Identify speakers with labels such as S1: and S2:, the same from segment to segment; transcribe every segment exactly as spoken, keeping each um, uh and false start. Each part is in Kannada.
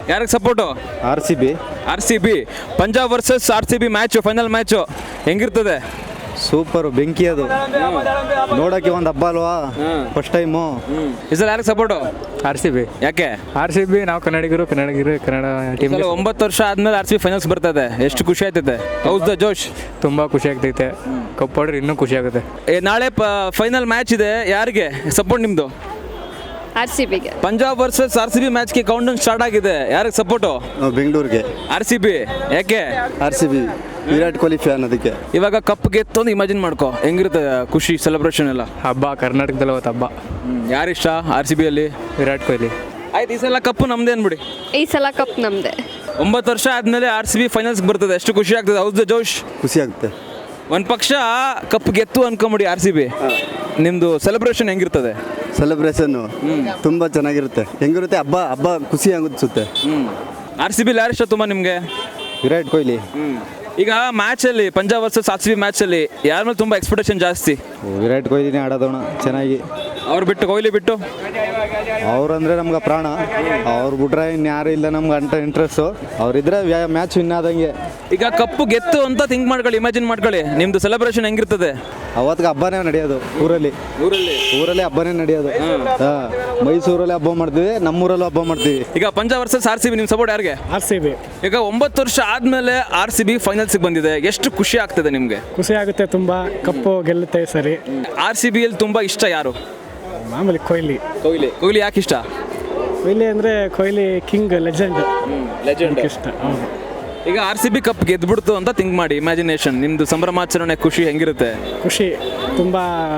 S1: ಯಾರಿಗೆ support?
S2: R C B.
S1: R C B. Punjab versus R C B match, final match ಹೆಂಗಿರ್ತದೆ?
S2: ಸೂಪರು, ಬೆಂಕಿ ಅದು ನೋಡೋಕ್ಕೆ ಒಂದು ಹಬ್ಬ ಅಲ್ವಾ, ಫಸ್ಟ್ ಟೈಮು.
S1: ಈ ಸಲ ಯಾರಿಗೆ ಸಪೋರ್ಟು?
S3: R C B.
S1: ಯಾಕೆ
S3: ಆರ್ ಸಿ ಬಿ ನಾವು ಕನ್ನಡಿಗರು ಕನ್ನಡಿಗರು ಕನ್ನಡ ಟೀಮ್.
S1: ಒಂಬತ್ತು ವರ್ಷ ಆದ್ಮೇಲೆ ಆರ್ ಸಿ ಬಿ ಫೈನಲ್ಸ್ ಬರ್ತದೆ, ಎಷ್ಟು ಖುಷಿ ಆಯ್ತದೆ. How's the josh.
S3: ತುಂಬ ಖುಷಿ ಆಗ್ತೈತೆ, ಕಪ್ ಹೊಡ್ರೆ ಇನ್ನೂ ಖುಷಿ ಆಗುತ್ತೆ.
S1: ಏ, ನಾಳೆ ಫೈನಲ್ ಮ್ಯಾಚ್ ಇದೆ, ಯಾರಿಗೆ ಸಪೋರ್ಟ್ ನಿಮ್ಮದು?
S4: ಆರ್ ಸಿ ಬಿಗೆ.
S1: Punjab versus R C B ಮ್ಯಾಚ್ಗೆ ಕೌಂಟ್ ಡೌನ್ ಸ್ಟಾರ್ಟ್ ಆಗಿದೆ, ಯಾರಿಗೆ ಸಪೋರ್ಟು?
S2: ಬೆಂಗಳೂರಿಗೆ.
S1: R C B. ಯಾಕೆ?
S2: R C B Virat Kohli fan ಅದಕ್ಕೆ.
S1: ಇವಾಗ ಕಪ್ ಗೆತ್ತೊಂದು ಇಮ್ಯಾಜಿನ್ ಮಾಡ್ಕೊ, ಹೆಂಗಿರುತ್ತೆ ಖುಷಿ, ಸೆಲೆಬ್ರೇಷನ್ ಎಲ್ಲ.
S3: ಹಬ್ಬ ಕರ್ನಾಟಕದಲ್ಲಿ ಅವತ್ತು ಹಬ್ಬ.
S1: ಯಾರಿಷ್ಟ ಆರ್ ಸಿ ಬಿಯಲ್ಲಿ?
S3: ವಿರಾಟ್ ಕೊಹ್ಲಿ.
S1: ಆಯ್ತು, ಈ ಸಲ ಕಪ್ಪು ನಮ್ದೇ ಅನ್ಬಿಡಿ.
S4: ಈ ಸಲ ಕಪ್ ನಮ್ದೆ.
S1: ಒಂಬತ್ತು ವರ್ಷ ಆದಮೇಲೆ ಆರ್ ಸಿ ಬಿ ಫೈನಲ್ಸ್ಗೆ ಬರ್ತದೆ, ಎಷ್ಟು ಖುಷಿ ಆಗ್ತದೆ. How's the josh.
S2: ಖುಷಿ ಆಗುತ್ತೆ.
S1: ಒಂದು ಪಕ್ಷ ಕಪ್ ಗೆತ್ತು ಅನ್ಕೊಂಬಿಡಿ ಆರ್ ಸಿ ಬಿ, ನಿಮ್ಮದು ಸೆಲೆಬ್ರೇಷನ್ ಹೆಂಗಿರ್ತದೆ?
S2: ಸೆಲೆಬ್ರೇಷನ್ನು ತುಂಬ ಚೆನ್ನಾಗಿರುತ್ತೆ. ಹೆಂಗಿರುತ್ತೆ ಹಬ್ಬ ಹಬ್ಬ ಖುಷಿ ಆಗುತ್ತೆ.
S1: ಆರ್ ಸಿ ಬಿಲಿ ಯಾರಿಷ್ಟ ತುಂಬ ನಿಮಗೆ?
S2: ವಿರಾಟ್ ಕೊಹ್ಲಿ.
S1: ಈಗ ಮ್ಯಾಚಲ್ಲಿ Punjab versus R C B ಮ್ಯಾಚಲ್ಲಿ ಯಾರ ಮೇಲೆ ತುಂಬ ಎಕ್ಸ್ಪೆಕ್ಟೇಷನ್ ಜಾಸ್ತಿ?
S2: ವಿರಾಟ್ ಕೊಹ್ಲಿನೇ ಆಡೋದೋಣ ಚೆನ್ನಾಗಿ.
S1: ಅವ್ರು ಬಿಟ್ಟು, ಕೊಹ್ಲಿ ಬಿಟ್ಟು
S2: ಅವ್ರಂದ್ರೆ ನಮ್ಗೆ ಪ್ರಾಣ. ಅವ್ರು ಬಿಟ್ರೆ ಇನ್ಯಾರು ಇಲ್ಲ ನಮ್ಗೆ ಅಂಟ ಇಂಟ್ರೆಸ್ಟು. ಅವರಿದ್ರೆ ಮ್ಯಾಚ್ ವಿನ್ ಆದಂಗೆ.
S1: ಈಗ ಕಪ್ಪು ಗೆತ್ತು ಅಂತ ಥಿಂಕ್ ಮಾಡ್ಕೊಳ್ಳಿ, ಇಮ್ಯಾಜಿನ್ ಮಾಡ್ಕೊಳ್ಳಿ, ನಿಮ್ಮದು ಸೆಲೆಬ್ರೇಷನ್ ಹೆಂಗಿರ್ತದೆ?
S2: ಅವತ್ತಿಗೆ ಹಬ್ಬನೇ ನಡೆಯೋದು ಊರಲ್ಲಿ.
S1: ಊರಲ್ಲಿ
S2: ಊರಲ್ಲಿ ಹಬ್ಬನೇ ನಡೆಯೋದು. ಹಾಂ, ಮೈಸೂರಲ್ಲಿ ಹಬ್ಬ ಮಾಡ್ತೀವಿ, ನಮ್ಮೂರಲ್ಲೂ ಹಬ್ಬ ಮಾಡ್ತೀವಿ.
S1: ಈಗ Punjab versus R C B, ನಿಮ್ಮ ಸಪೋರ್ಟ್ ಯಾರಿಗೆ?
S3: R C B.
S1: ಈಗ ಒಂಬತ್ತು ವರ್ಷ ಆದಮೇಲೆ ಆರ್ ಸಿ ಬಿ ಫೈನಲ್ಸ್ಗೆ ಬಂದಿದೆ, ಎಷ್ಟು ಖುಷಿ ಆಗ್ತದೆ ನಿಮಗೆ?
S3: ಖುಷಿ ಆಗುತ್ತೆ ತುಂಬ, ಕಪ್ಪು ಗೆಲ್ಲುತ್ತೆ ಸರಿ.
S1: ಆರ್ ಸಿ ಬಿಯಲ್ಲಿ ತುಂಬ ಇಷ್ಟ ಯಾರು?
S3: ಮಾಮೂಲಿ ಕೊಹ್ಲಿ.
S1: ಕೊಹ್ಲಿ. ಕೊಹ್ಲಿ ಯಾಕೆ ಇಷ್ಟ?
S3: ಕೊಹ್ಲಿ ಅಂದರೆ ಕೊಹ್ಲಿ ಕಿಂಗ್, ಲೆಜೆಂಡ್.
S1: ಲೆಜೆಂಡ್
S3: ಇಷ್ಟ. ಹೌದು.
S1: ಈಗ ಆರ್ ಸಿ ಬಿ ಕಪ್ ಗೆದ್ಬಿಡ್ತು ಅಂತ ಥಿಂಕ್ ಮಾಡಿ, ಇಮ್ಯಾಜಿನೇಷನ್, ನಿಮ್ಮದು ಸಂಭ್ರಮಾಚರಣೆ ಖುಷಿ ಹೆಂಗಿರುತ್ತೆ?
S3: ಖುಷಿ ತುಂಬ.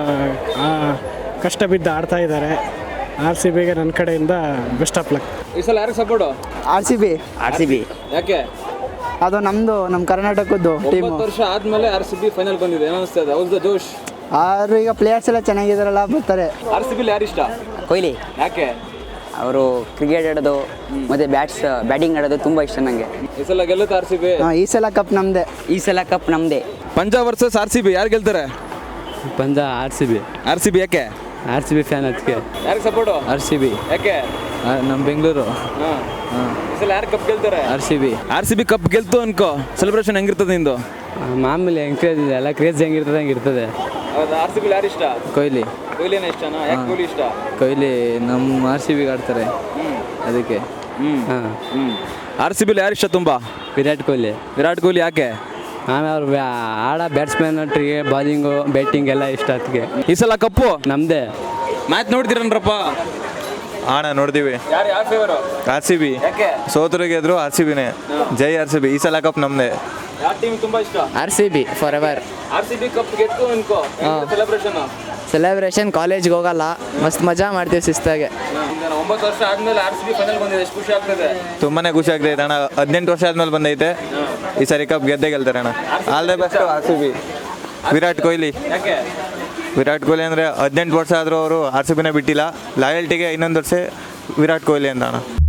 S3: ಕಷ್ಟ ಬಿದ್ದು ಆಡ್ತಾ ಇದ್ದಾರೆ. ಆರ್ ಸಿ ಬಿಗೆ ನನ್ನ ಕಡೆಯಿಂದ ಬೆಸ್ಟ್ ಆಫ್ ಲಕ್.
S1: ಈ ಸಲ ಯಾರಿಗೆ support?
S5: R C B. R C B.
S1: ಯಾಕೆ?
S5: ಅದು ನಮ್ಮದು, ನಮ್ಮ ಕರ್ನಾಟಕದ್ದು ಟೀಮು.
S1: ಒಂಬತ್ತು ವರ್ಷ ಆದಮೇಲೆ ಆರ್ ಸಿ ಬಿ ಫೈನಲ್ ಬಂದಿದೆ, ಏನು ಅನಿಸ್ತದೆ? How's the josh.
S5: ಆರು ಈಗ ಪ್ಲೇಯರ್ಸ್ ಎಲ್ಲ ಚೆನ್ನಾಗಿದ್ದಾರಲ್ಲ, ಬರ್ತಾರೆ.
S1: ಆರ್ ಸಿ ಬಿಲಿ ಯಾರು ಇಷ್ಟ?
S6: ಕೊಹ್ಲಿ.
S1: ಯಾಕೆ?
S6: ಅವರು ಕ್ರಿಕೆಟ್ ಆಡೋದು ಮತ್ತು ಬ್ಯಾಟ್ಸ್ ಬ್ಯಾಟಿಂಗ್ ಆಡೋದು ತುಂಬ ಇಷ್ಟ ನನಗೆ.
S1: ಈ ಸಲ ಗೆಲ್ಲುತ್ತೆ ಆರ್ ಸಿ ಬಿ?
S5: ಹಾಂ, ಈ ಸಲ ಕಪ್ ನಮ್ಮದೇ.
S6: ಈ ಸಲ ಕಪ್ ನಮ್ಮದೇ.
S1: Punjab versus R C B ಯಾರು ಗೆಲ್ತಾರೆ?
S3: Punjab. R C B.
S1: R C B. ಯಾಕೆ?
S3: ಆರ್ ಸಿ ಬಿ ಫ್ಯಾನ್ ಅದಕ್ಕೆ.
S1: ಯಾರಿಗೆ ಸಪೋರ್ಟು?
S3: R C B.
S1: ಯಾಕೆ?
S3: ನಮ್ಮ ಬೆಂಗಳೂರು.
S1: ಹಾಂ, ಈ ಸಲ ಯಾರು ಕಪ್ ಗೆಲ್ತಾರೆ?
S3: R C B.
S1: R C B cup ಗೆಲ್ತು ಅನ್ಕೋ, ಸೆಲೆಬ್ರೇಷನ್ ಹೆಂಗಿರ್ತದೆ ನಿಂದು?
S3: ಮಾಮೂಲಿ ಎಂಕರೇಜ್ ಇದೆ, ಎಲ್ಲ ಕ್ರೇಜ್ ಹೆಂಗಿರ್ತದೆ ಹಂಗಿರ್ತದೆ.
S1: ಹೌದಾ? ಆರ್ ಸಿ ಬಿಲಿ ಯಾರು ಇಷ್ಟ?
S3: ಕೊಹ್ಲಿ.
S1: ಕೊಹ್ಲಿನೇ ಇಷ್ಟನಾ? ಯಾಕೆ ಕೊಹ್ಲಿ ಇಷ್ಟ?
S3: ಕೊಹ್ಲಿ ನಮ್ಮ ಆರ್ ಸಿ ಬಿಗೆ ಆಡ್ತಾರೆ ಅದಕ್ಕೆ.
S1: ಹ್ಞೂ
S3: ಹಾಂ.
S1: ಹ್ಞೂ. ಆರ್ ಸಿ ಬಿಲಿ ಯಾರು ಇಷ್ಟ ತುಂಬ?
S3: ವಿರಾಟ್ ಕೊಹ್ಲಿ.
S1: ವಿರಾಟ್ ಕೊಹ್ಲಿ. ಯಾಕೆ?
S3: ಆಮೇಲೆ ಅವ್ರು ಆಡ ಬ್ಯಾಟ್ಸ್ಮನ್ ಟ್ರಿಗೆ ಬಾಲಿಂಗು ಬ್ಯಾಟಿಂಗ್ ಎಲ್ಲ ಇಷ್ಟ ಅದಕ್ಕೆ.
S1: ಈ ಸಲ ಕಪ್ಪು
S3: ನಮ್ಮದೇ.
S1: ಮ್ಯಾಚ್ ನೋಡ್ತೀರನ್ರಪ್ಪ?
S7: ಹಾಂ, ನೋಡ್ತೀವಿ.
S1: ಯಾರು ಯಾವ ಫೇವರು?
S7: R C B.
S1: ಯಾಕೆ?
S7: ಸೋತರಿಗೆ ಎದ್ರು ಆರ್ ಸಿ ಬಿನೇ. ಜೈ ಆರ್ ಸಿ ಬಿ. ಈ ಸಲ ಕಪ್ ನಮ್ಮದೇ.
S1: ಯಾವ ಟೀಮ್ ತುಂಬ ಇಷ್ಟ?
S8: R C B forever.
S1: R C B cup ಗೆತ್ತು ಅನ್ಕೋ, ಸೆಲೆಬ್ರೇಷನ್
S8: ಸೆಲೆಬ್ರೇಷನ್ ಕಾಲೇಜ್ಗೆ ಹೋಗಲ್ಲ, ಮಸ್ತ್ ಮಜಾ ಮಾಡ್ತೀವಿ ಶಿಸ್ತಾಗೆ.
S1: ಒಂಬತ್ತು ವರ್ಷ ಆದ್ಮೇಲೆ ಆರ್ ಸಿ ಬಿ ಫೈನಲ್ ಬಂದಿದೆ, ಎಷ್ಟು ಖುಷಿ ಆಗ್ತದೆ?
S7: ತುಂಬಾನೇ ಖುಷಿ ಆಗ್ತೈತೆ ಅಣ್ಣ. ಹದಿನೆಂಟು ವರ್ಷ ಆದ್ಮೇಲೆ ಬಂದೈತೆ, ಈ ಸರಿ ಕಪ್ ಗೆದ್ದೇ ಗೆಲ್ತಾರೆ ಅಣ್ಣ. All the best R C B. Virat Kohli.
S1: ಯಾಕೆ?
S7: ವಿರಾಟ್ ಕೊಹ್ಲಿ ಅಂದರೆ ಹದಿನೆಂಟು ವರ್ಷ ಆದರೂ ಅವರು ಆರ್ ಸಿ ಬಿನೇ ಬಿಟ್ಟಿಲ್ಲ. ಲಾಯಲ್ಟಿಗೆ ಇನ್ನೊಂದು ವರ್ಷ ವಿರಾಟ್ ಕೊಹ್ಲಿ ಅಂತ ಅಣ್ಣ.